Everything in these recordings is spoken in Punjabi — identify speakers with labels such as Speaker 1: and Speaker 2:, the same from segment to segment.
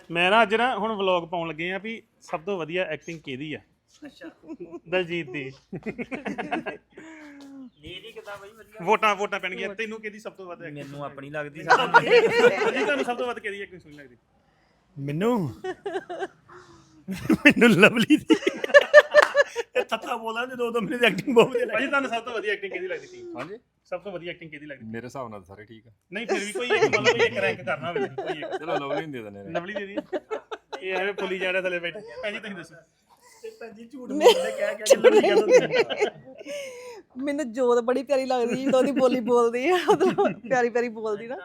Speaker 1: ਮੈਂ ਨਾ ਅੱਜ ਨਾ ਹੁਣ ਵਲੌਗ ਪਾਉਣ ਲੱਗੇ ਆ ਵੀ ਸਭ ਤੋਂ ਵਧੀਆ ਐਕਟਿੰਗ ਕਿਹਦੀ ਆ। ਅੱਛਾ ਦਲਜੀਤ ਦੀ।
Speaker 2: ਨੀਰੀ ਕਿਦਾਂ ਬਈ ਵਧੀਆ
Speaker 1: ਵੋਟਾਂ ਪੈਣਗੀਆਂ। ਤੈਨੂੰ ਕਿਹਦੀ ਸਭ ਤੋਂ ਵੱਧ ਐਕਟਿੰਗ?
Speaker 2: ਮੈਨੂੰ ਆਪਣੀ ਲੱਗਦੀ
Speaker 1: ਜੀ ਤੁਹਾਨੂੰ ਸਭ ਤੋਂ ਵੱਧ ਕਿਹਦੀ ਐਕਟਿੰਗ ਸੋਹਣੀ ਲੱਗਦੀ?
Speaker 3: ਮੈਨੂੰ ਲਵਲੀ ਦੀ ਇਹ ਤੱਤਾ ਬੋਲਦਾ ਜਦੋਂ ਮੇਰੀ ਐਕਟਿੰਗ ਬਹੁਤ ਵਧੀਆ
Speaker 1: ਭਾਜੀ ਤੁਹਾਨੂੰ ਸਭ ਤੋਂ ਵਧੀਆ ਐਕਟਿੰਗ ਕਿਹਦੀ ਲੱਗਦੀ ਸੀ?
Speaker 4: ਹਾਂਜੀ
Speaker 1: ਸਭ ਤੋਂ ਵਧੀਆ ਐਕਟਿੰਗ ਕਿਹਦੀ ਲੱਗਦੀ?
Speaker 4: ਮੇਰੇ ਹਿਸਾਬ ਨਾਲ ਸਾਰੇ ਠੀਕ ਆ।
Speaker 1: ਨਹੀਂ ਫਿਰ ਵੀ ਕੋਈ ਇੱਕ ਮਤਲਬ ਕੋਈ ਇੱਕ ਰੈਂਕ ਕਰਨਾ ਹੋਵੇ ਕੋਈ ਇੱਕ।
Speaker 4: ਚਲੋ ਲਵਲੀ ਨੂੰ ਦੇ ਦਿੰਦੇ ਨੇ।
Speaker 1: ਲਵਲੀ ਦੀ ਇਹ ਐਵੇਂ ਪੁੱਲੀ ਜਾਣਾ ਥੱਲੇ ਬੈਠੇ। ਭੈਣ ਜੀ ਤੁਸੀਂ ਦੱਸੋ।
Speaker 3: ਤੇ ਭੈਜੀ ਝੂਠ ਬੋਲਦੇ ਕਹਿ ਕੇ ਲਵਲੀ ਕਹਿੰਦਾ
Speaker 5: ਮੈਨੂੰ ਜੋਤ ਬੜੀ ਪਿਆਰੀ ਲੱਗਦੀ ਜਦੋਂ ਉਹਦੀ ਬੋਲੀ ਬੋਲਦੀ ਆ ਮਤਲਬ ਪਿਆਰੀ ਪਿਆਰੀ ਬੋਲਦੀ ਨਾ।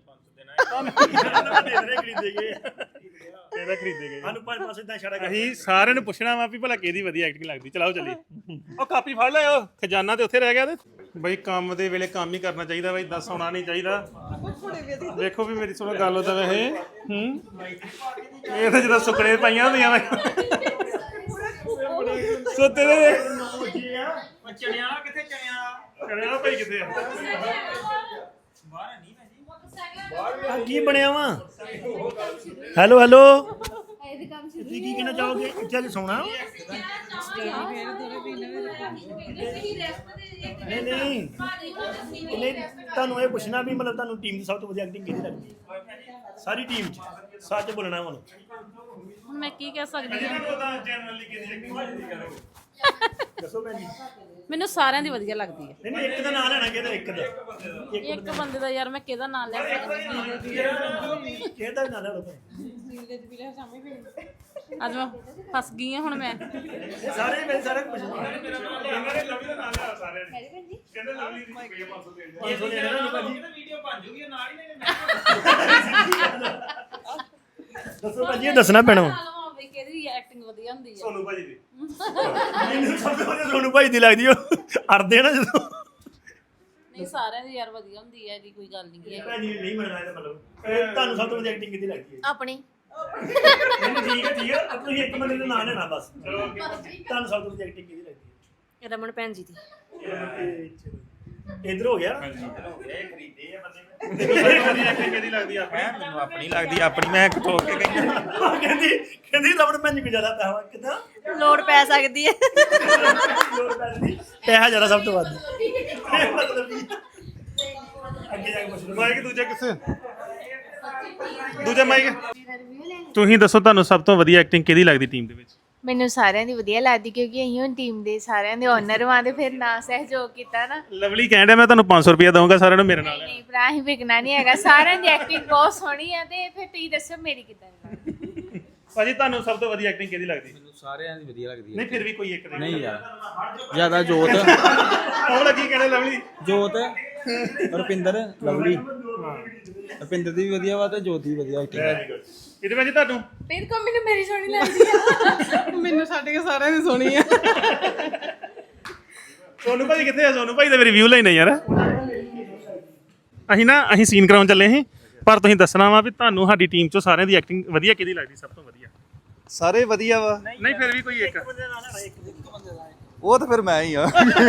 Speaker 1: ਇਹਦਾ ਖਰੀਦੇ ਗਏ
Speaker 3: ਸਾਨੂੰ ਪੰਜ ਪਾਸੇ ਦਾ ਇਸ਼ਾਰਾ
Speaker 1: ਅਸੀਂ ਸਾਰਿਆਂ ਨੂੰ ਪੁੱਛਣਾ ਵਾ ਵੀ ਭਲਾ ਕਿਹਦੀ ਵਧੀਆ ਐਕਟਿੰਗ ਲੱਗਦੀ। ਚਲਾਓ ਚੱਲੀਏ। ਉਹ ਕਾਪੀ ਫੜ ਲਿਓ, ਖਜ਼ਾਨਾ ਤੇ ਉੱਥੇ ਰਹਿ ਗਿਆ ਤੇ ਬਈ ਕੰਮ ਦੇ ਵੇਲੇ ਕੰਮ ਹੀ ਕਰਨਾ ਚਾਹੀਦਾ ਬਈ, ਦੱਸ ਆਉਣਾ ਨਹੀਂ ਚਾਹੀਦਾ। ਦੇਖੋ ਵੀ ਮੇਰੀ ਸੁਣੋ ਗੱਲ ਉਹਦਾ ਵੈਸੇ ਇਹ ਤਾਂ ਜਦੋਂ ਸੁੱਕਣੇ ਪਾਈਆਂ ਹੁੰਦੀਆਂ ਵਾ ਸੋਤੇ ਦੇ
Speaker 2: ਚਣਿਆ ਕਿੱਥੇ ਚਣਿਆ
Speaker 1: ਭਾਈ ਕਿੱਥੇ ਆ?
Speaker 2: ਬਾਹਰ ਨਹੀਂ ਭਾਜੀ
Speaker 3: ਕੀ ਬਣਿਆ ਵਾ? ਹੈਲੋ ਤੁਸੀਂ ਕੀ ਕਹਿਣਾ ਚਾਹੋਗੇ? ਚੱਲ ਸੋਣਾ ਨਹੀਂ ਤੁਹਾਨੂੰ ਇਹ ਪੁੱਛਣਾ ਵੀ ਮਤਲਬ ਤੁਹਾਨੂੰ ਟੀਮ ਦੀ ਸਭ ਤੋਂ ਵਧੀਆ ਐਕਟਿੰਗ ਕਿਹਦੀ ਲੱਗਦੀ ਹੈ? ਸਾਰੀ ਟੀਮ ਚ ਸੱਚ ਬੋਲਣਾ ਹੁਣ
Speaker 6: ਮੈਂ ਕੀ ਕਹਿ ਸਕਦੀ ਹਾਂ?
Speaker 3: ਦੱਸੋ ਭੈਣ ਜੀ।
Speaker 6: ਮੈਨੂੰ ਸਾਰਿਆਂ ਦੀ ਵਧੀਆ ਲੱਗਦੀ ਹੈ।
Speaker 3: ਨਹੀਂ ਇੱਕ ਦਾ ਨਾਂ ਲੈਣਾ ਕਿਹਦਾ? ਇੱਕ ਦਾ
Speaker 6: ਇੱਕ ਬੰਦੇ ਦਾ ਯਾਰ ਮੈਂ ਕਿਹਦਾ ਨਾਮ ਲੈ ਸਕਦੀ?
Speaker 3: ਕਿਹਦਾ ਨਾਂ ਲੈ ਲਓ
Speaker 6: ਅੱਜ ਮੈਂ ਫਸ ਗਈ ਹਾਂ ਹੁਣ ਮੈਂ।
Speaker 3: ਸਾਰੇ ਮੈਂ ਸਾਰਾ ਕੁਝ ਪੁੱਛਣਾ
Speaker 2: ਵੀਡੀਓ ਬਣ ਜੂਗੀ ਨਾਲ ਹੀ
Speaker 3: ਦੱਸੋ ਭਾਜੀ ਇਹ ਦੱਸਣਾ ਪੈਣਾ
Speaker 6: ਕਿਹਦੀ ਐਕਟਿੰਗ ਵਧੀਆ ਹੁੰਦੀ ਹੈ?
Speaker 1: ਸੋਨੂ ਭਾਜੀ ਦੀ।
Speaker 3: ਮੈਨੂੰ ਸਭ ਤੋਂ ਵਧੀਆ ਸੋਨੂ ਭਾਈ ਦੀ ਲੱਗਦੀ ਉਹ ਅੜਦੇ ਨਾ ਜਦੋਂ
Speaker 6: ਨਹੀਂ ਸਾਰਿਆਂ ਦੀ ਯਾਰ ਵਧੀਆ ਹੁੰਦੀ ਹੈ, ਇਹਦੀ ਕੋਈ ਗੱਲ ਨਹੀਂ ਹੈ।
Speaker 3: ਭੈਣ ਜੀ ਨਹੀਂ ਮੰਨਣਾ ਇਹਦਾ ਮਤਲਬ ਤੁਹਾਨੂੰ ਸਭ ਤੋਂ ਵਧੀਆ ਐਕਟਿੰਗ ਕਿਹਦੀ ਲੱਗਦੀ ਹੈ?
Speaker 6: ਆਪਣੀ
Speaker 3: ਨਹੀਂ ਠੀਕ ਹੈ ਤੁਸੀਂ ਇੱਕ ਬੰਦੇ ਦਾ ਨਾਂ ਲੈਣਾ ਬਸ। ਤੁਹਾਨੂੰ ਸਭ ਤੋਂ ਵਧੀਆ ਐਕਟਿੰਗ ਕਿਹਦੀ ਲੱਗਦੀ ਹੈ?
Speaker 6: ਰਮਨ ਭੈਣ ਜੀ ਦੀ।
Speaker 3: ਇਧਰ ਹੋ ਗਿਆ
Speaker 2: ਖਰੀਦੇ ਆ ਬੰਦੇ
Speaker 1: ਐਕਟਿੰਗ ਕਿਹਦੀ ਲੱਗਦੀ ਆ?
Speaker 2: ਮੈਨੂੰ ਆਪਣੀ ਲੱਗਦੀ ਆਪਣੀ ਮੈਂ ਖੋਕ ਕੇ ਗਈ
Speaker 3: ਕਹਿੰਦੀ ਰਬੜ ਭੈਣ ਜੀ ਕੋ ਜ਼ਿਆਦਾ ਪੈਸਾ ਕਿਦਾਂ
Speaker 5: ਲੋੜ ਪੈ ਸਕਦੀ ਹੈ।
Speaker 3: ਪੈਸਾ ਜ਼ਿਆਦਾ ਸਭ ਤੋਂ ਵੱਧ ਮਤਲਬ ਅੱਗੇ ਜਾ ਕੇ ਪੁੱਛ ਲਓ।
Speaker 1: ਮਾਈਕ ਦੂਜਾ ਕਿੱਥੇ? ਦੂਜਾ ਮਾਈਕ। ਤੁਸੀਂ ਦੱਸੋ ਤੁਹਾਨੂੰ ਸਭ ਤੋਂ ਵਧੀਆ ਐਕਟਿੰਗ ਕਿਹਦੀ ਲੱਗਦੀ ਟੀਮ ਦੇ ਵਿੱਚ?
Speaker 7: ਮੈਨੂੰ ਸਾਰਿਆਂ ਦੀ ਵਧੀਆ ਲੱਗਦੀ ਕਿਉਂਕਿ ਅਸੀਂ ਹੁਣ ਟੀਮ ਦੇ ਸਾਰਿਆਂ ਦੇ ਓਨਰ ਵਾਂ ਤੇ ਫਿਰ ਨਾ ਸਹਿਯੋਗ ਕੀਤਾ ਨਾ।
Speaker 1: ਲਵਲੀ ਕਹਿਣ ਡਿਆ ਮੈਂ ਤੁਹਾਨੂੰ 500 ਰੁਪਏ ਦਊਂਗਾ ਸਾਰਿਆਂ ਨੂੰ ਮੇਰੇ ਨਾਲ।
Speaker 7: ਨਹੀਂ ਭਰਾ ਅਸੀਂ ਵਿਕਣਾ ਨਹੀਂ ਹੈਗਾ। ਸਾਰਿਆਂ ਦੀ ਐਕਟਿੰਗ ਬਹੁਤ ਸੋਹਣੀ ਆ ਤੇ ਫਿਰ ਤੁਸੀਂ ਦੱਸੋ ਮੇਰੀ ਕਿੱਦਾਂ ਦੀ?
Speaker 1: ਭਾਜੀ ਤੁਹਾਨੂੰ ਸਭ ਤੋਂ ਵਧੀਆ ਐਕਟਿੰਗ ਕਿਹਦੀ ਲੱਗਦੀ?
Speaker 2: ਮੈਨੂੰ ਸਾਰਿਆਂ ਦੀ ਵਧੀਆ ਲੱਗਦੀ
Speaker 1: ਨਹੀਂ ਫਿਰ ਵੀ ਕੋਈ ਇੱਕ
Speaker 2: ਨਹੀਂ ਯਾਰ ਜਿਆਦਾ ਜੋਤ
Speaker 1: ਉਹ ਲੱਗੀ ਕਹਿੰਦੇ ਲਵਲੀ
Speaker 2: ਜੋਤ ਰੁਪਿੰਦਰ ਲਵਲੀ ਰੁਪਿੰਦਰ ਦੀ ਵੀ ਵਧੀਆ ਵਾ ਤੇ ਜੋਤ ਦੀ ਵਧੀਆ ਐਕਟਿੰਗ ਹੈ।
Speaker 1: ਇਹਦੇ ਵਿੱਚ ਤੁਹਾਨੂੰ
Speaker 7: ਫਿਰ ਕੋ ਮੈਨੂੰ ਮੇਰੀ ਸੋਹਣੀ ਲੱਗਦੀ ਆ।
Speaker 5: ਮੈਨੂੰ ਛੱਡ ਕੇ ਸਾਰਿਆਂ ਦੀ ਸੋਹਣੀ ਆ।
Speaker 1: ਸੋਨੂ ਭਾਜੀ ਕਿੱਥੇ ਆ? ਸੋਨੂ ਭਾਈ ਦਾ ਰਿਵਿਊ ਲੈਣਾ ਯਾਰ। ਅਸੀਂ ਸੀਨ ਕਰਾਉਣ ਚੱਲੇ ਸੀ ਪਰ ਤੁਸੀਂ ਦੱਸਣਾ ਵਾ ਵੀ ਤੁਹਾਨੂੰ ਸਾਡੀ ਟੀਮ ਚੋਂ ਸਾਰਿਆਂ ਦੀ ਐਕਟਿੰਗ ਵਧੀਆ ਕਿਹਦੀ ਲੱਗਦੀ ਸਭ ਤੋਂ ਵਧੀਆ?
Speaker 4: ਸਾਰੇ ਵਧੀਆ ਵਾ।
Speaker 1: ਨਹੀਂ ਫਿਰ ਵੀ ਕੋਈ ਇੱਕ।
Speaker 4: ਉਹ ਤਾਂ ਫਿਰ ਮੈਂ ਹੀ ਆ।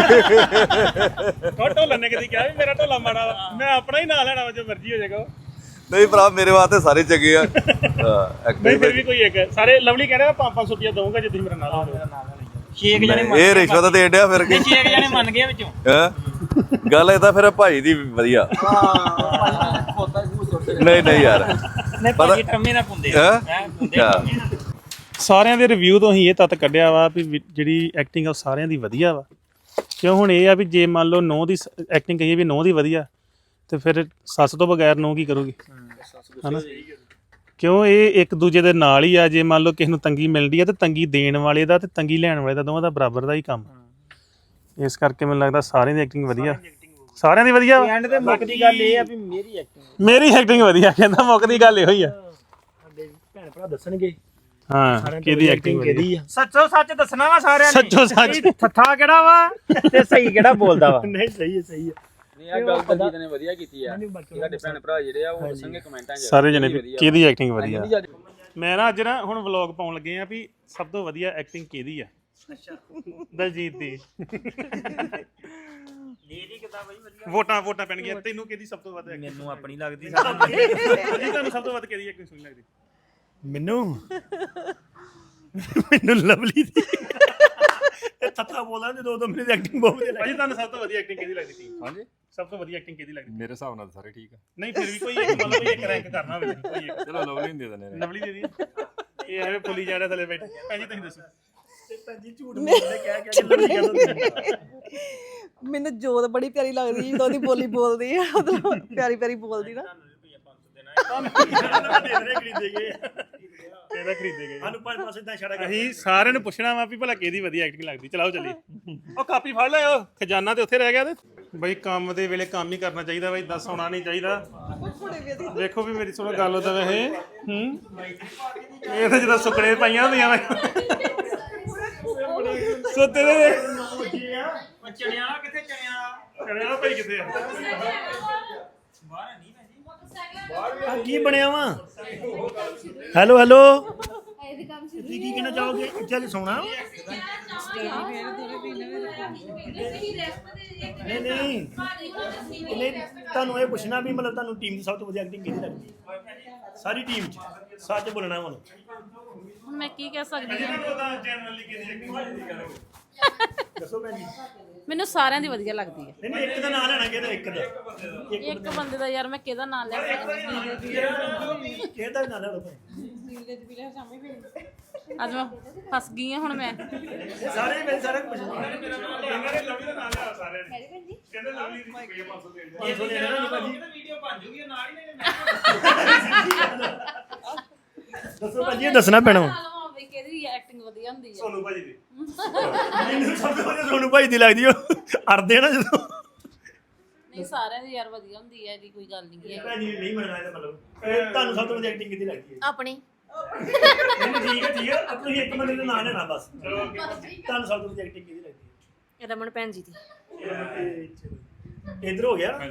Speaker 1: ਢੋਲਾ ਨੇ ਕਦੀ ਕਿਹਾ ਵੀ ਮੇਰਾ ਢੋਲਾ ਮਾੜਾ ਵਾ, ਮੈਂ ਆਪਣਾ ਹੀ ਨਾਂ ਲੈਣਾ ਵਾ ਜੋ ਮਰਜ਼ੀ ਹੋ ਜਾਏਗਾ।
Speaker 4: ਨਹੀਂ ਭਰਾ ਮੇਰੇ ਵਾਸਤੇ ਸਾਰੇ ਚੰਗੇ ਆ।
Speaker 1: ਨਹੀਂ ਫਿਰ ਵੀ ਕੋਈ ਇੱਕ। ਸਾਰੇ ਲਵਲੀ ਕਹਿ ਰਿਹਾ 500 ਰੁਪਏ ਦਊਂਗਾ ਜੇ ਤੁਸੀਂ ਮੇਰਾ ਨਾਂ ਲਾਓਗੇ।
Speaker 2: 6 ਜਣੇ
Speaker 4: ਇਹ ਰਿਸ਼ਵਤ ਦੇ ਡਿਆ ਫਿਰ ਕੇ
Speaker 2: 6 ਜਣੇ ਮੰਨ ਗਏ ਵਿੱਚੋਂ।
Speaker 4: ਗੱਲ ਇਹ ਤਾਂ ਫਿਰ ਭਾਈ ਦੀ ਵਧੀਆ। ਨਹੀਂ ਯਾਰ
Speaker 2: ਨਹੀਂ ਭਾਜੀ ਟੰਮੇ ਨਾ ਪੁੰਦੇ
Speaker 4: ਹੈਂ?
Speaker 1: ਸਾਰਿਆਂ ਦੇ ਰਿਵਿਊ ਤੋਂ ਹੀ ਇਹ ਤੱਤ ਕੱਢਿਆ ਵਾ ਵੀ ਜਿਹੜੀ ਐਕਟਿੰਗ ਆ ਉਹ ਸਾਰਿਆਂ ਦੀ ਵਧੀਆ ਵਾ। ਕਿਉਂ ਹੁਣ ਇਹ ਆ ਵੀ ਜੇ ਮੰਨ ਲਓ ਨੌ ਦੀ ਐਕਟਿੰਗ ਕਹੀਏ ਵੀ ਨੌ ਦੀ ਵਧੀਆ ਤੇ ਫਿਰ ਸੱਸ ਤੋਂ ਬਗੈਰ ਨੌ ਕੀ ਕਰੂਗੀ ਹਨਾ? ਕਿਉਂ ਇਹ ਇੱਕ ਦੂਜੇ ਦੇ ਨਾਲ ਹੀ ਆ। ਜੇ ਮੰਨ ਲਓ ਕਿਸੇ ਨੂੰ ਤੰਗੀ ਮਿਲਦੀ ਆ ਤੇ ਤੰਗੀ ਦੇਣ ਵਾਲੇ ਦਾ ਤੇ ਤੰਗੀ ਲੈਣ ਵਾਲੇ ਦਾ ਦੋਵਾਂ ਦਾ ਬਰਾਬਰ ਦਾ ਹੀ ਕੰਮ। ਇਸ ਕਰਕੇ ਮੈਨੂੰ ਲੱਗਦਾ ਸਾਰਿਆਂ ਦੀ ਐਕਟਿੰਗ ਵਧੀਆ। ਸਾਰਿਆਂ ਦੀ ਵਧੀਆ
Speaker 2: ਐਂਡ ਤੇ ਮੁੱਕਦੀ ਗੱਲ ਇਹ ਆ ਵੀ
Speaker 1: ਮੇਰੀ ਐਕਟਿੰਗ ਵਧੀਆ। ਕਹਿੰਦਾ ਮੁੱਕਦੀ ਗੱਲ ਇਹੋ ਹੀ ਆ।
Speaker 3: ਸਾਡੇ ਭੈਣ ਭਰਾ ਦੱਸਣਗੇ
Speaker 1: ਹਾਂ ਕਿਹਦੀ ਐਕਟਿੰਗ
Speaker 3: ਕਿਹਦੀ ਆ।
Speaker 2: ਸੱਚੋ ਸੱਚ ਦੱਸਣਾ ਵਾ ਸਾਰਿਆਂ ਨੇ।
Speaker 1: ਸੱਚੋ ਸੱਚ
Speaker 2: ਥੱਥਾ ਕਿਹੜਾ ਵਾ ਤੇ ਸਹੀ ਕਿਹੜਾ ਬੋਲਦਾ ਵਾ।
Speaker 3: ਨਹੀਂ ਸਹੀ ਹੈ
Speaker 2: ਇਹ ਗੱਲ ਦਲਜੀਤ ਨੇ ਵਧੀਆ ਕੀਤੀ ਆ। ਸਾਡੇ ਭੈਣ ਭਰਾ ਜਿਹੜੇ ਆ ਉਹ ਦੱਸਣਗੇ ਕਮੈਂਟਾਂ 'ਚ
Speaker 1: ਸਾਰੇ ਜਣੇ ਵੀ ਕਿਹਦੀ ਐਕਟਿੰਗ ਵਧੀਆ। ਮੈਂ ਨਾ ਅੱਜ ਨਾ ਹੁਣ ਵਲੌਗ ਪਾਉਣ ਲੱਗੇ ਆ ਵੀ ਸਭ ਤੋਂ ਵਧੀਆ ਐਕਟਿੰਗ ਕਿਹਦੀ ਆ। ਅੱਛਾ ਦਲਜੀਤ ਦੀ।
Speaker 2: ਨੀਰੀ ਕਿਦਾਂ ਬਈ ਵਧੀਆ?
Speaker 1: ਵੋਟਾਂ ਪੈਣਗੀਆਂ। ਤੈਨੂੰ ਕਿਹਦੀ ਸਭ ਤੋਂ ਵੱਧ ਐਕਟਿੰਗ?
Speaker 2: ਮੈਨੂੰ ਆਪਣੀ ਲੱਗਦੀ
Speaker 1: ਤੁਹਾਨੂੰ ਸਭ ਤੋਂ ਵੱਧ ਕਿਹਦੀ ਐਕਟਿੰਗ ਸੋਹਣੀ ਲੱਗਦੀ?
Speaker 3: ਮੈਨੂੰ ਮੈਨੂੰ ਲਵਲੀ ਦੀ ਇਹ ਥੱਥਾ ਬੋਲਾਂ ਜਦੋਂ ਉਦੋਂ ਮੇਰੀ ਐਕਟਿੰਗ ਬਹੁਤ ਵਧੀਆ
Speaker 1: ਭਾਜੀ ਤੁਹਾਨੂੰ ਸਭ ਤੋਂ ਵਧੀਆ ਐਕਟਿੰਗ ਕਿਹਦੀ ਲੱਗਦੀ ਟੀਮ
Speaker 8: ਹਾਂਜੀ
Speaker 1: ਸਭ ਤੋਂ ਵਧੀਆ ਐਕਟਿੰਗ ਕਿਹਦੀ ਲੱਗਦੀ
Speaker 8: ਮੇਰੇ ਹਿਸਾਬ ਨਾਲ ਤਾਂ ਸਾਰੇ ਠੀਕ ਆ
Speaker 1: ਨਹੀਂ ਫਿਰ ਵੀ ਕੋਈ ਇੱਕ ਮਤਲਬ ਕੋਈ ਇੱਕ ਰੈਂਕ ਕਰਨਾ ਹੋਵੇ ਕੋਈ ਇੱਕ
Speaker 8: ਚਲੋ ਲਵਲੀ ਨੂੰ ਦੇ ਦਿੰਦੇ ਨੇ
Speaker 1: ਲਵਲੀ ਦੇ ਦੀ ਇਹ ਐਵੇਂ ਪੁੱਲੀ ਜਾਣਾ ਥੱਲੇ ਬੈਠੇ ਭਾਜੀ ਤੁਸੀਂ ਦੱਸੋ
Speaker 3: ਤੇ ਭਾਜੀ ਝੂਠ ਬੋਲਦੇ ਕਹਿ ਕੇ ਲਵਲੀ ਕਹਿੰਦਾ
Speaker 5: ਮੈਨੂੰ ਜੋਤ ਬੜੀ ਪਿਆਰੀ ਲੱਗਦੀ ਜਦੋਂ ਉਹਦੀ ਬੋਲੀ ਬੋਲਦੀ ਆ ਮਤਲਬ ਪਿਆਰੀ ਪਿਆਰੀ ਬੋਲਦੀ ਨਾ
Speaker 1: ਇਹਦਾ ਖਰੀਦੇ ਗਏ
Speaker 3: ਸਾਨੂੰ 500 ਸਿੱਧਾ ਇਸ਼ਾਰਾ ਕਰ
Speaker 1: ਅਸੀਂ ਸਾਰਿਆਂ ਨੂੰ ਪੁੱਛਣਾ ਵਾ ਵੀ ਭਲਾ ਕਿਹਦੀ ਵਧੀਆ ਐਕਟਿੰਗ ਲੱਗਦੀ ਚਲਾਓ ਚੱਲੀਏ ਉਹ ਕਾਪੀ ਫੜ ਲਿਓ ਖਜ਼ਾਨਾ ਤੇ ਉੱਥੇ ਰਹਿ ਗਿਆ ਤੇ ਬਈ ਕੰਮ ਦੇ ਵੇਲੇ ਕੰਮ ਹੀ ਕਰਨਾ ਚਾਹੀਦਾ ਬਈ ਦੱਸ ਆਉਣਾ ਨਹੀਂ ਚਾਹੀਦਾ ਦੇਖੋ ਵੀ ਮੇਰੀ ਸੁਣੋ ਗੱਲ ਉਹਦਾ ਵੈਸੇ ਇਹ ਤਾਂ ਜਦੋਂ ਸੁੱਕਣੇ ਪਾਈਆਂ ਹੁੰਦੀਆਂ ਵਾ ਸੁੱਤੇ ਦੇ
Speaker 2: ਚਣਿਆ ਕਿੱਥੇ ਚਣਿਆ
Speaker 1: ਕਰਿਆ ਭਾਈ ਕਿੱਥੇ ਆ
Speaker 3: ਆ ਕੀ ਬਣਿਆ ਵਾ ਹੈਲੋ ਹੈਲੋ ਤੁਸੀਂ ਕੀ ਕਹਿਣਾ ਚਾਹੋਗੇ ਇੱਥੇ ਸੋਣਾ ਨਹੀਂ ਨਹੀਂ ਨਹੀਂ ਤੁਹਾਨੂੰ ਇਹ ਪੁੱਛਣਾ ਵੀ ਮਤਲਬ ਤੁਹਾਨੂੰ ਟੀਮ ਦੀ ਸਭ ਤੋਂ ਵਧੀਆ ਐਕਟਿੰਗ ਕਿਹਦੀ ਲੱਗਦੀ ਹੈ ਸਾਰੀ ਟੀਮ 'ਚ ਸੱਚ ਬੋਲਣਾ ਹੁਣ
Speaker 6: ਹੁਣ ਮੈਂ ਕੀ ਕਹਿ ਸਕਦੀ ਹਾਂ
Speaker 3: ਦੱਸੋ ਭੈਣ ਜੀ
Speaker 6: ਮੈਨੂੰ ਸਾਰਿਆਂ ਦੀ ਵਧੀਆ ਲੱਗਦੀ ਹੈ
Speaker 3: ਨਹੀਂ ਨਹੀਂ ਇੱਕ ਦਾ ਨਾਂ ਲੈਣਾ ਕਿਹਦਾ ਇੱਕ ਦਾ
Speaker 6: ਇੱਕ ਬੰਦੇ ਦਾ ਯਾਰ ਮੈਂ ਕਿਹਦਾ ਨਾਮ ਲੈ ਸਕਦੀ
Speaker 3: ਕਿਹਦਾ ਨਾਂ ਲੈਣਾ ਭਾਈ
Speaker 6: ਅੱਜ ਮੈਂ ਫਸ ਗਈ ਹਾਂ ਹੁਣ ਮੈਂ
Speaker 3: ਸਾਰੇ ਮੈਂ ਸਾਰਾ ਕੁਝ ਪੁੱਛਣਾ
Speaker 1: ਇਹਨਾਂ ਨੇ ਲਵਲੀ ਦਾ ਨਾਮ ਲਿਆ ਸਾਰਿਆਂ ਨੇ ਕਹਿੰਦੇ ਲਵਲੀ ਦੀ ਰੁਪਈਆ 500 ਦੇ ਦਿਓ
Speaker 3: 500 ਲੈਣਾ ਨਹੀਂ ਭਾਜੀ
Speaker 2: ਵੀਡੀਓ ਬਣ ਜੂਗੀ ਨਾਲ ਹੀ
Speaker 3: ਦੱਸੋ ਭਾਜੀ ਇਹ ਦੱਸਣਾ ਪੈਣਾ ਵਾ।
Speaker 6: ਹਾਂ ਵੀ ਕਿਹਦੀ ਐਕਟਿੰਗ ਵਧੀਆ ਹੁੰਦੀ ਹੈ
Speaker 1: ਸੋਨੂ ਭਾਜੀ ਦੀ
Speaker 3: ਮੈਨੂੰ ਸਭ ਤੋਂ ਵਧੀਆ ਸੋਨੂ ਭਾਈ ਦੀ ਲੱਗਦੀ ਉਹ ਅੜਦੇ ਨਾ ਜਦੋਂ
Speaker 6: ਨਹੀਂ ਸਾਰਿਆਂ ਦੀ ਯਾਰ ਵਧੀਆ ਹੁੰਦੀ ਹੈ ਇਹਦੀ ਕੋਈ ਗੱਲ ਨਹੀਂ ਹੈ
Speaker 3: ਭੈਣ ਜੀ ਨਹੀਂ ਮੰਨਣਾ ਇਹਦਾ ਮਤਲਬ ਇਹ ਤੁਹਾਨੂੰ ਸਭ ਤੋਂ ਵਧੀਆ ਐਕਟਿੰਗ ਕਿਹਦੀ ਲੱਗਦੀ ਹੈ
Speaker 7: ਆਪਣੀ
Speaker 3: ਨਹੀਂ ਠੀਕ ਹੈ ਤੁਸੀਂ ਇੱਕ ਬੰਦੇ ਦਾ ਨਾਂ ਲੈਣਾ ਬਸ ਤੁਹਾਨੂੰ ਸਭ ਤੋਂ ਵਧੀਆ ਐਕਟਿੰਗ ਕਿਹਦੀ ਲੱਗਦੀ
Speaker 7: ਰਮਨ ਭੈਣ ਜੀ ਦੀ
Speaker 3: ਹੈ ਇਧਰ ਹੋ ਗਿਆ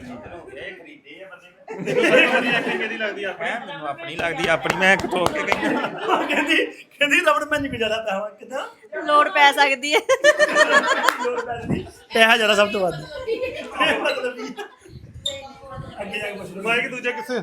Speaker 1: ਕਿਹਦੀ ਐਕਟਿੰਗ ਕਿਹਦੀ ਲੱਗਦੀ ਆ
Speaker 2: ਮੈਨੂੰ ਆਪਣੀ ਲੱਗਦੀ ਆਪਣੀ ਮੈਂ ਠੋਕ ਕੇ ਗਈ
Speaker 3: ਕਹਿੰਦੀ ਲਵਣ ਮੈਂ ਨਹੀਂ ਜ਼ਿਆਦਾ ਪੈਸਾ ਵਾ। ਕਿੱਦਾਂ
Speaker 5: ਲੋੜ ਪੈ ਸਕਦੀ ਹੈ
Speaker 3: ਲੋੜ ਪੈਸੇ ਦੀ ਪੈਸਾ ਜ਼ਿਆਦਾ ਸਭ ਤੋਂ ਵੱਧ ਇਹ ਮਤਲਬ ਵੀ ਅੱਗੇ ਜਾ ਕੇ ਪੁੱਛ ਲਓ
Speaker 1: ਮਾਈਕ ਦੂਜਾ ਕਿੱਥੇ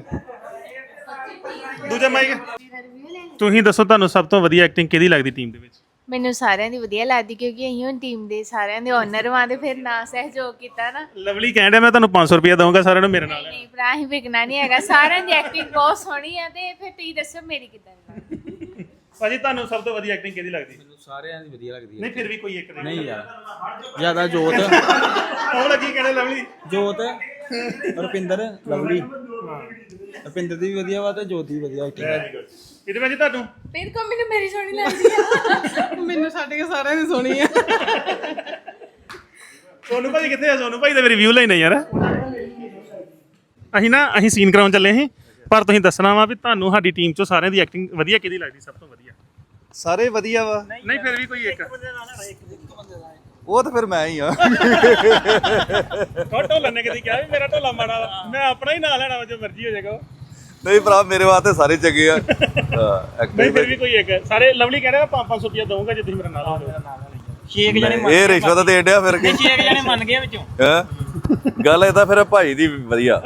Speaker 1: ਦੂਜਾ ਮਾਈਕ ਤੁਸੀਂ ਦੱਸੋ ਤੁਹਾਨੂੰ ਸਭ ਤੋਂ ਵਧੀਆ ਐਕਟਿੰਗ ਕਿਹਦੀ ਲੱਗਦੀ ਟੀਮ ਦੇ ਵਿੱਚ
Speaker 7: ਮੈਨੂੰ ਸਾਰਿਆਂ ਦੀ ਵਧੀਆ ਲੱਗਦੀ ਕਿਉਂਕਿ ਅਸੀਂ ਹੁਣ ਟੀਮ ਦੇ ਸਾਰਿਆਂ ਦੇ ਓਨਰ ਵਾਂ ਤੇ ਫਿਰ ਨਾ ਸਹਿਯੋਗ ਕੀਤਾ ਨਾ
Speaker 1: ਲਵਲੀ ਕਹਿੰਦਾ ਮੈਂ ਤੁਹਾਨੂੰ 500 ਰੁਪਏ ਦਊਂਗਾ ਸਾਰਿਆਂ ਨੂੰ ਮੇਰੇ ਨਾਲ
Speaker 7: ਨਹੀਂ ਭਰਾ ਅਸੀਂ ਵਿਕਣਾ ਨਹੀਂ ਹੈਗਾ ਸਾਰਿਆਂ ਦੀ ਐਕਟਿੰਗ ਬਹੁਤ ਸੋਹਣੀ ਆ ਤੇ ਫਿਰ ਤੁਸੀਂ ਦੱਸੋ ਮੇਰੀ ਕਿੱਦਾਂ ਲੱਗਦੀ
Speaker 1: ਭਾਜੀ ਤੁਹਾਨੂੰ ਸਭ ਤੋਂ ਵਧੀਆ ਐਕਟਿੰਗ ਕਿਹਦੀ ਲੱਗਦੀ
Speaker 2: ਮੈਨੂੰ ਸਾਰਿਆਂ ਦੀ ਵਧੀਆ ਲੱਗਦੀ
Speaker 1: ਨਹੀਂ ਫਿਰ ਵੀ ਕੋਈ ਇੱਕ
Speaker 2: ਨਹੀਂ ਯਾਰ ਜਿਆਦਾ ਜੋਤ
Speaker 1: ਉਹ ਲੱਗੀ ਕਹਿੰਦੇ ਲਵਲੀ
Speaker 2: ਜੋਤ ਰੁਪਿੰਦਰ ਲਵਲੀ ਰੁਪਿੰਦਰ ਦੀ ਵੀ ਵਧੀਆ ਵਾ ਤੇ ਜੋਤ ਦੀ ਵੀ ਵਧੀਆ ਐਕਟਿੰਗ
Speaker 1: ਇਹਦੇ ਵਿੱਚ ਤੁਹਾਨੂੰ
Speaker 7: ਫਿਰ ਕੋ ਮੈਨੂੰ ਮੇਰੀ ਸੋਹਣੀ ਲੱਗਦੀ ਆ
Speaker 5: ਮੈਨੂੰ ਛੱਡ ਕੇ ਸਾਰਿਆਂ ਦੀ ਸੋਹਣੀ ਆ
Speaker 1: ਸੋਨੂ ਭਾਜੀ ਕਿੱਥੇ ਆ ਸੋਨੂ ਭਾਈ ਦਾ ਰਿਵਿਊ ਲੈਣਾ ਯਾਰ ਅਸੀਂ ਸੀਨ ਕਰਾਉਣ ਚੱਲੇ ਸੀ ਪਰ ਤੁਸੀਂ ਦੱਸਣਾ ਵਾ ਵੀ ਤੁਹਾਨੂੰ ਸਾਡੀ ਟੀਮ ਚੋਂ ਸਾਰਿਆਂ ਦੀ ਐਕਟਿੰਗ ਵਧੀਆ ਕਿਹਦੀ ਲੱਗਦੀ ਸਭ ਤੋਂ ਵਧੀਆ
Speaker 4: ਸਾਰੇ ਵਧੀਆ ਵਾ
Speaker 1: ਨਹੀਂ ਫਿਰ ਵੀ ਕੋਈ ਇੱਕ
Speaker 4: ਉਹ ਤਾਂ ਫਿਰ ਮੈਂ ਹੀ ਆ
Speaker 1: ਢੋਲਣ ਨੇ ਕਦੀ ਕਿਹਾ ਵੀ ਮੇਰਾ ਢੋਲਾ ਮਾੜਾ ਵਾ ਮੈਂ ਆਪਣਾ ਹੀ ਨਾਂ ਲੈਣਾ ਵਾ ਜੋ ਮਰਜ਼ੀ ਹੋ ਜਾਏਗਾ
Speaker 4: ਨਹੀਂ ਭਰਾ ਮੇਰੇ ਵਾਸਤੇ ਸਾਰੇ ਚੰਗੇ ਆ
Speaker 1: ਨਹੀਂ ਫਿਰ ਵੀ ਕੋਈ ਇੱਕ ਸਾਰੇ ਲਵਲੀ ਕਹਿੰਦਾ ਮੈਂ 500 ਰੁਪਏ ਦਊਂਗਾ ਜੇ ਤੁਸੀਂ ਮੇਰਾ ਨਾਂ ਲਾਓਗੇ
Speaker 2: 6 ਜਣੇ
Speaker 4: ਇਹ ਰਿਸ਼ਵਤ ਦੇ ਡਿਆ ਫਿਰ ਕੇ
Speaker 2: 6 ਜਣੇ ਮੰਨ ਗਏ ਵਿੱਚੋਂ
Speaker 4: ਹੈਂ? ਗੱਲ ਇਹ ਤਾਂ ਫਿਰ ਭਾਈ ਦੀ ਵਧੀਆ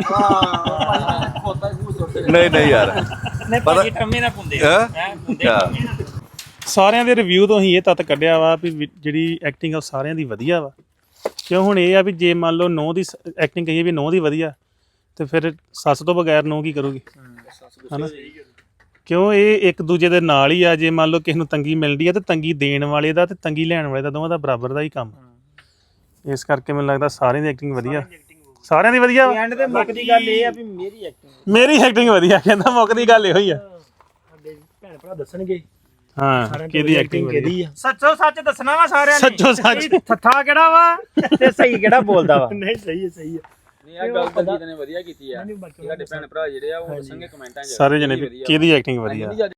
Speaker 4: ਨਹੀਂ ਨਹੀਂ ਯਾਰ
Speaker 2: ਨਹੀਂ ਭਾਜੀ ਟੰਮੇ ਨਾ ਪੁੰਦੇ
Speaker 4: ਹੈਂ?
Speaker 1: ਸਾਰਿਆਂ ਦੇ ਰਿਵਿਊ ਤੋਂ ਹੀ ਇਹ ਤੱਤ ਕੱਢਿਆ ਵਾ ਵੀ ਜਿਹੜੀ ਐਕਟਿੰਗ ਆ ਉਹ ਸਾਰਿਆਂ ਦੀ ਵਧੀਆ ਵਾ ਕਿਉਂ ਹੁਣ ਇਹ ਆ ਵੀ ਜੇ ਮੰਨ ਲਓ ਨੌ ਦੀ ਐਕਟਿੰਗ ਕਹੀਏ ਵੀ ਨੌ ਦੀ ਵਧੀਆ ਤੇ ਫਿਰ ਸੱਸ ਤੋਂ ਬਗੈਰ ਨੌ ਕੀ ਕਰੂਗੀ ਹਨਾ ਕਿਉਂ ਇਹ ਇੱਕ ਦੂਜੇ ਦੇ ਨਾਲ ਹੀ ਆ ਜੇ ਮੰਨ ਲਓ ਕਿਸੇ ਨੂੰ ਤੰਗੀ ਮਿਲਦੀ ਆ ਤੇ ਤੰਗੀ ਦੇਣ ਵਾਲੇ ਦਾ ਤੇ ਤੰਗੀ ਲੈਣ ਵਾਲੇ ਦਾ ਦੋਵਾਂ ਦਾ ਬਰਾਬਰ ਦਾ ਹੀ ਕੰਮ ਇਸ ਕਰਕੇ ਮੈਨੂੰ ਲੱਗਦਾ ਸਾਰਿਆਂ ਦੀ ਐਕਟਿੰਗ ਵਧੀਆ ਸਾਰਿਆਂ ਦੀ ਵਧੀਆ ਵਾ।
Speaker 2: ਐਂਡ ਤੇ ਮੁੱਕਦੀ ਗੱਲ ਇਹ ਆ ਵੀ
Speaker 1: ਮੇਰੀ ਐਕਟਿੰਗ ਵਧੀਆ ਕਹਿੰਦਾ ਮੁੱਕਦੀ ਗੱਲ ਇਹੋ ਹੀ ਆ
Speaker 3: ਸਾਡੇ ਭੈਣ ਭਰਾ ਦੱਸਣਗੇ
Speaker 1: ਹਾਂ ਕਿਹਦੀ ਐਕਟਿੰਗ ਵਧੀਆ
Speaker 3: ਆ
Speaker 2: ਸੱਚੋ ਸੱਚ ਦੱਸਣਾ ਵਾ ਸਾਰਿਆਂ ਨੇ
Speaker 1: ਸੱਚੋ ਸੱਚ
Speaker 2: ਥੱਥਾ ਕਿਹੜਾ ਵਾ ਤੇ ਸਹੀ ਕਿਹੜਾ ਬੋਲਦਾ ਵਾ
Speaker 3: ਨਹੀਂ ਸਹੀ ਹੈ ਸਹੀ ਹੈ
Speaker 9: ਨਹੀਂ ਆ ਗੱਲ ਤਾਂ ਜੀ ਨੇ ਵਧੀਆ ਕੀਤੀ ਆ
Speaker 3: ਨਹੀਂ ਬਾਕੀ
Speaker 9: ਸਾਡੇ ਭੈਣ ਭਰਾ ਜਿਹੜੇ ਆ ਉਹ ਦੱਸਣਗੇ ਕਮੈਂਟਾਂ 'ਚ
Speaker 1: ਸਾਰੇ ਜਣੇ ਵੀ ਕਿਹਦੀ ਐਕਟਿੰਗ ਵਧੀਆ
Speaker 9: ਨਹੀਂ